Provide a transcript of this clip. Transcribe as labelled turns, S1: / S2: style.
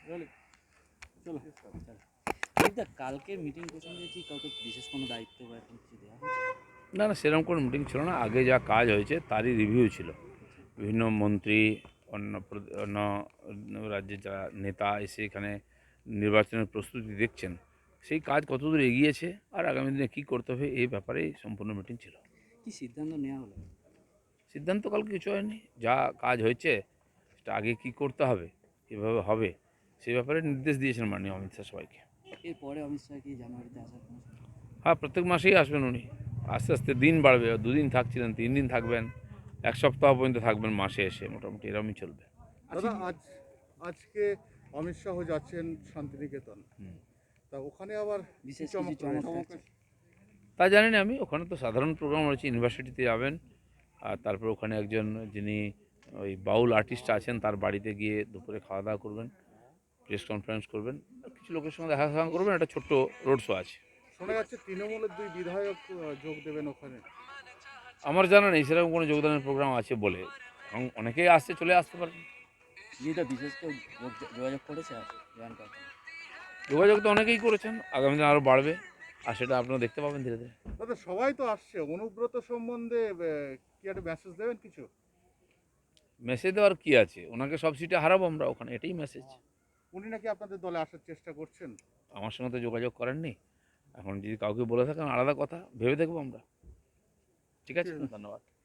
S1: চলো কালকে মিটিং প্রসঙ্গে কি কাউকে বিশেষ কোনো দায়িত্ব বা এরকম কিছু দেওয়া হয়েছে?
S2: না না, সেরকম কোনো মিটিং ছিল না। আগে যা কাজ হয়েছে তারই রিভিউ ছিল। বিভিন্ন মন্ত্রী, অন্য রাজ্যের যারা নেতা এসে এখানে নির্বাচনের প্রস্তুতি দেখছেন, সেই কাজ কতদূর এগিয়েছে আর আগামী দিনে কী করতে হবে এই ব্যাপারেই সম্পূর্ণ মিটিং ছিল।
S1: কি সিদ্ধান্ত নেওয়া হলো?
S2: সিদ্ধান্ত কালকে কিছু হয়নি, যা কাজ হয়েছে সেটা আগে কী করতে হবে, কীভাবে হবে, সেই ব্যাপারে নির্দেশ দিয়েছেন মাননীয় অমিত শাহ সবাইকে।
S1: এরপরে অমিত শাহ কি জানুয়ারিতে আসার কোনো সম্ভাবনা?
S2: হ্যাঁ, প্রত্যেক মাসেই আসবেন উনি। আস্তে আস্তে দিন বাড়বে, 2 দিন থাকছিলেন, 3 দিন থাকবেন, 1 সপ্তাহ পর্যন্ত থাকবেন, মাসে এসে মোটামুটি এরকমই চলবে।
S3: দাদা আজকে অমিত শাহ যাচ্ছেন শান্তিনিকেতন, তা ওখানে আবার
S1: বিশেষ
S3: চমক
S1: কিছু চমক
S3: রয়েছে?
S1: থাকছে?
S2: তা জানি না আমি, ওখানে তো সাধারণ প্রোগ্রাম রয়েছে, ইউনিভার্সিটিতে যাবেন, আর তারপর ওখানে একজন যিনি ওই বাউল আর্টিস্ট আছেন তার বাড়িতে গিয়ে দুপুরে খাওয়া দাওয়া করবেন, প্রেস কনফারেন্স করবেন, আর কিছু লোকের সঙ্গে দেখা সাক্ষাৎ করবেন, একটা ছোট্ট রোড শো আছে।
S3: শোনা যাচ্ছে তৃণমূলের 2 বিধায়ক যোগ দেবেন ওখানে।
S2: আমার জানা নেই সেরকম কোনো যোগদানের প্রোগ্রাম আছে বলে, এবং অনেকেই আসছে, চলে আসতে পারেন।
S1: যেটা বিশেষ কেউ যোগাযোগ করেছে আর জয়েন করতে?
S2: যোগাযোগ তো অনেকেই করেছেন, আগামী দিনে আরও বাড়বে, আর সেটা আপনারা দেখতে পাবেন ধীরে ধীরে।
S3: দাদা সবাই তো আসছে, অনুব্রত সম্বন্ধে কি একটা মেসেজ দেবেন কিছু?
S2: মেসেজ দেওয়ার কী আছে, ওনাকে সব সিটে হারাবো আমরা ওখানে, এটাই মেসেজ।
S3: উনি নাকি আপনাদের দলে আসার চেষ্টা করছেন।
S2: আমার সঙ্গে তো যোগাযোগ করেননি, এখন যদি কাউকে বলে থাকেন আলাদা কথা, ভেবে দেখবো আমরা। ঠিক আছে, ধন্যবাদ।